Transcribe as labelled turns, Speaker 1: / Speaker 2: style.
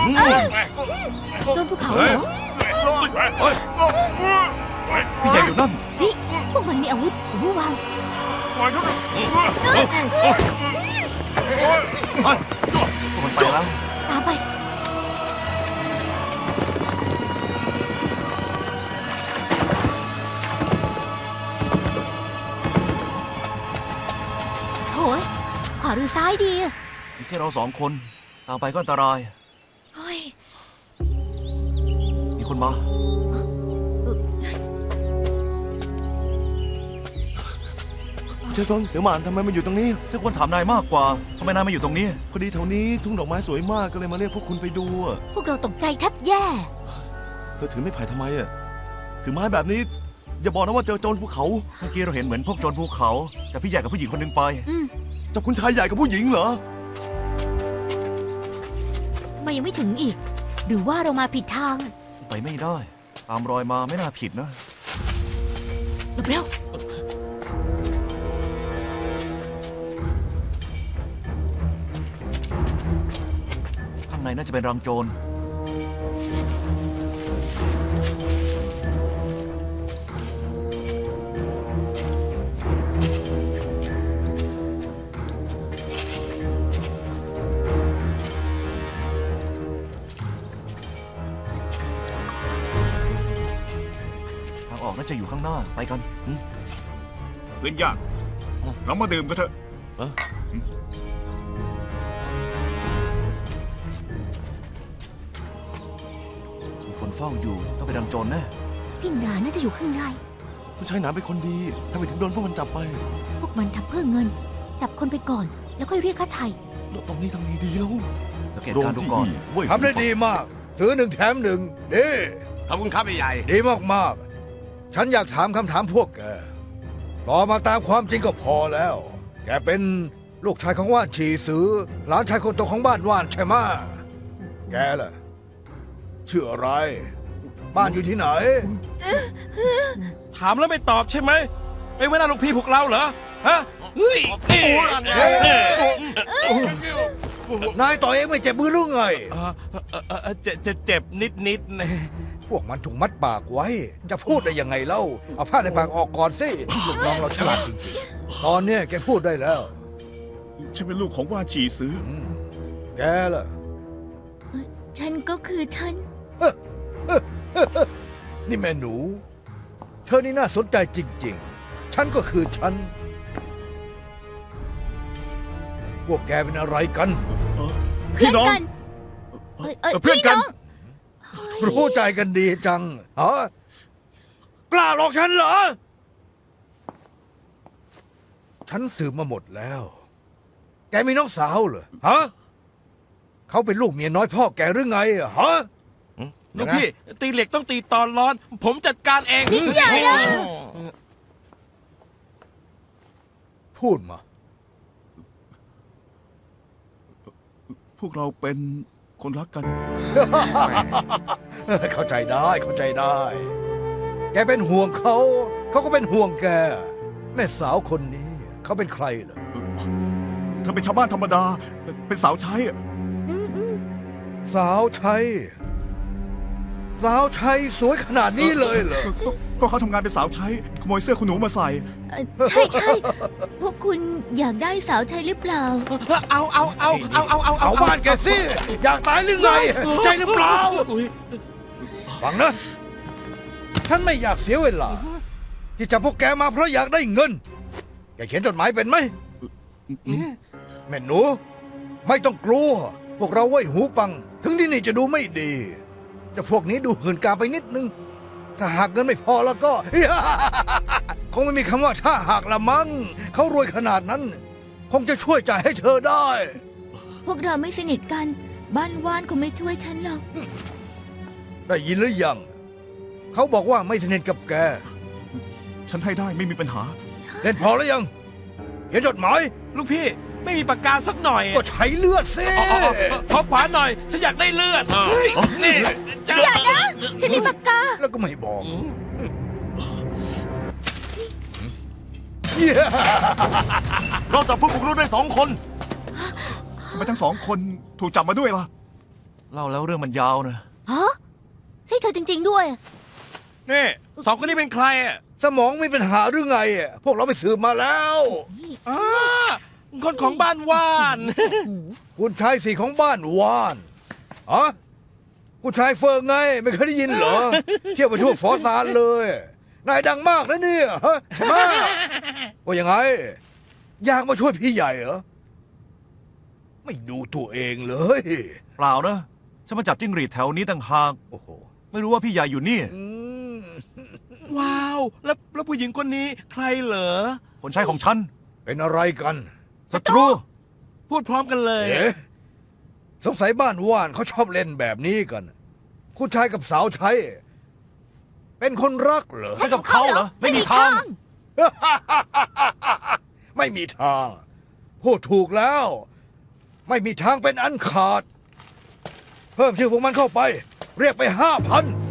Speaker 1: โดนภูเขาเหรอ
Speaker 2: พี่ใหญ่อยู่นั่น
Speaker 1: นี่พวกมันมีอาวุธหรือวาง
Speaker 2: พวกมันไปแล้ว
Speaker 1: ตามไปโถ่ขวาหรือซ้ายดี
Speaker 2: มีแค่เรา2 คนตามไปก็อันตราย
Speaker 1: เฮ้ย
Speaker 2: มีคนมา
Speaker 3: เจ้าฟงเสี่ยวหมานทำไมมาอยู่ตรงนี้
Speaker 2: ฉันควรถามนายมากกว่าทำไมนายมาอยู่ตรงนี้
Speaker 3: พอดีแถวนี้ทุ่งดอกไม้สวยมากก็เลยมาเรียกพวกคุณไปดู
Speaker 1: พวกเราตกใจแทบแย่
Speaker 3: เธอถือไม้ไผ่ทำไมถือไม้แบบนี้อย่าบอกนะว่าเจอโจรภูเขา
Speaker 2: เมื่อกี้เราเห็นเหมือนพวกโจรภูเขาแต่พี่ใหญ่กับผู้หญิงคนนึงไป
Speaker 3: จับคุณชายใหญ่กับผู้หญิงเหรอ
Speaker 1: ทำไมยังไม่ถึงอีกหรือว่าเรามาผิดทาง
Speaker 2: ไปไม่ได้ตามรอยมาไม่น่าผิดนะ
Speaker 1: เร็ว
Speaker 2: ข้างในน่าจะเป็นรังโจรน่าจะอยู่ข้างหน้าไปกัน
Speaker 4: เล่นยากเรามาดื่มกันเถอะ
Speaker 2: มีคนเฝ้าอยู่ต้องไปดังโจรแน่
Speaker 1: พี่หนาน่าจะอยู่ข้างใน
Speaker 3: คุณชายหนาเป็นคนดีทำไมถึงโดนพวกมันจับไป
Speaker 1: พวกมันทำเพื่อเงินจับคนไปก่อนแล้วค่อยเรียกค่าไถ่
Speaker 3: ตรงนี้ทำไงดีแล้ว
Speaker 2: สังเกตการดูก่อน
Speaker 5: ทำได้ดีมากซื้อ1 แถม 1ดี
Speaker 4: ขอบคุณครับใหญ่
Speaker 5: ดีมากฉันอยากถามคำถามพวกแกตอบมาตามความจริงก็พอแล้วแกเป็นลูกชายของว่านฉีซือหลานชายคนโตของบ้านว่านใช่ไหมแกล่ะชื่ออะไรบ้านอยู่ที่ไหน
Speaker 6: ถามแล้วไม่ตอบใช่ไหมไม่เว้นลูกพี่พวกเราเหรอฮะเฮ้ย
Speaker 5: นายต่อยเองไม่เจ็บมือหรือไง
Speaker 6: เจ็บนิด
Speaker 5: พวกมันถูกมัดปากไว้จะพูดได้ยังไงเล่าเอาผ้าในปากออกก่อนสิลูกน้องเราฉลาดจริงๆตอนนี้แกพูดได้แล้ว
Speaker 4: ฉันเป็นลูกของว่านฉีซื้อ
Speaker 5: แกล่ะ
Speaker 1: ฉันก็คือฉัน
Speaker 5: นี่แม่หนูเธอนี่น่าสนใจจริงๆฉันก็คือฉันพวกแกเป็นอะไรกัน
Speaker 4: พี่น้องเพื่อนกัน
Speaker 5: รู้ใจกันดีจังฮะกล้าหลอกฉันเหรอฉันสืบมาหมดแล้วแกมีน้องสาวเหรอฮะเขาเป็นลูกเมียน้อยพ่อแกหรือไงฮะ
Speaker 6: ลูกพี่ตีเหล็กต้องตีตอนร้อนผมจัดการเอง
Speaker 1: ยิ่งใหญ่นะ
Speaker 5: พูดมา
Speaker 4: พวกเราเป็นคนรักกัน
Speaker 5: เข้าใจได้แกเป็นห่วงเขาก็เป็นห่วงแกแม่สาวคนนี้เขาเป็นใครเหรอ
Speaker 4: เธอเป็นชาวบ้านธรรมดาเป็นสาวใช้
Speaker 5: สาวใช้สวยขนาดนี้เลยเหรอ
Speaker 4: ก็เขาทำงานเป็นสาวใช้ขโมยเสื้อคุณหนูมาใส่
Speaker 1: ใช่พวกคุณอยากได้สาวใช้หรือเปล่า
Speaker 5: เอาบ้านแกสิอยากตายหรือไงใช่หรือเปล่าฟังนะฉันไม่อยากเสียเวลาที่จะพวกแกมาเพราะอยากได้เงินแกเขียนจดหมายเป็นไหมแม่หนูไม่ต้องกลัวพวกเราไว้หูปังถึงที่นี่จะดูไม่ดีแต่พวกนี้ดูหื่นกามไปนิดนึงถ้าหากเงินไม่พอแล้วก็คงไม่มีคำว่าถ้าหากละมั้งเขารวยขนาดนั้นคงจะช่วยจ่ายให้เธอได้
Speaker 1: พวกเราไม่สนิทกันบ้านว่านคงไม่ช่วยฉันหรอก
Speaker 5: ได้ยินหรือยังเขาบอกว่าไม่สนิทกับแก
Speaker 4: ฉันให้ได้ไม่มีปัญหา
Speaker 5: เล่นพอแล้วยังเขียนจดหมาย
Speaker 6: ลูกพี่ไม่มีปากกาสักหน่อย
Speaker 5: ก็ใช้เลือดสิ
Speaker 6: ขอขวานหน่อยฉันอยากได้เลือดนี่
Speaker 1: อย่านะฉันมีปากกา
Speaker 5: แล้วก็ไม่บอก
Speaker 3: เราจับผู้บุกรุกได้2 คน
Speaker 4: ทำไมทั้ง2 คนถูกจับมาด้วยล่ะ
Speaker 2: เล่าแล้วเรื่องมันยาวนะ
Speaker 1: ฮะ ใช่เธอจริง ๆ ด้วย
Speaker 6: นี่สองคนนี้เป็นใครอ่ะ
Speaker 5: สมองมีปัญหาหรือไงอะพวกเราไปสืบมาแล้ว
Speaker 6: อ่าคนของบ้านว่าน
Speaker 5: คุณชายสี่ของบ้านว่านอะคุณชายเฟิงไง ไม่เคยได้ยินเหรอ เที่ยวไปทั่วฟอซานเลย นายดังมากนะเนี่ยฮะใช่ไหมว่ายังไง อยากมาช่วยพี่ใหญ่เหรอ ไม่ดูตัวเองเลย
Speaker 2: เปล่านะ ฉันมาจับจิ้งหรีดแถวนี้ต่างหาก
Speaker 5: โอ้โห
Speaker 2: ไม่รู้ว่าพี่ใหญ่อยู่นี่
Speaker 5: อืม
Speaker 6: ว้าว แล้วผู้หญิงคนนี้ใครเหรอ
Speaker 2: คนใช้ของฉัน
Speaker 5: เป็นอะไรกัน
Speaker 2: ศัตรู
Speaker 6: พูดพร้อมกันเลย
Speaker 5: เอ๊ะสงสัยบ้านว่านเขาชอบเล่นแบบนี้กัน คุณชายกับสาวใช้ เป็นคนรักเหรอ
Speaker 2: ใช่กับเขาเหรอ ไม่มีทาง
Speaker 5: ไม่มีทาง พูดถูกแล้ว ไม่มีทางเป็นอันขาด เพิ่มชื่อพวกมันเข้าไป เรียกไป5,000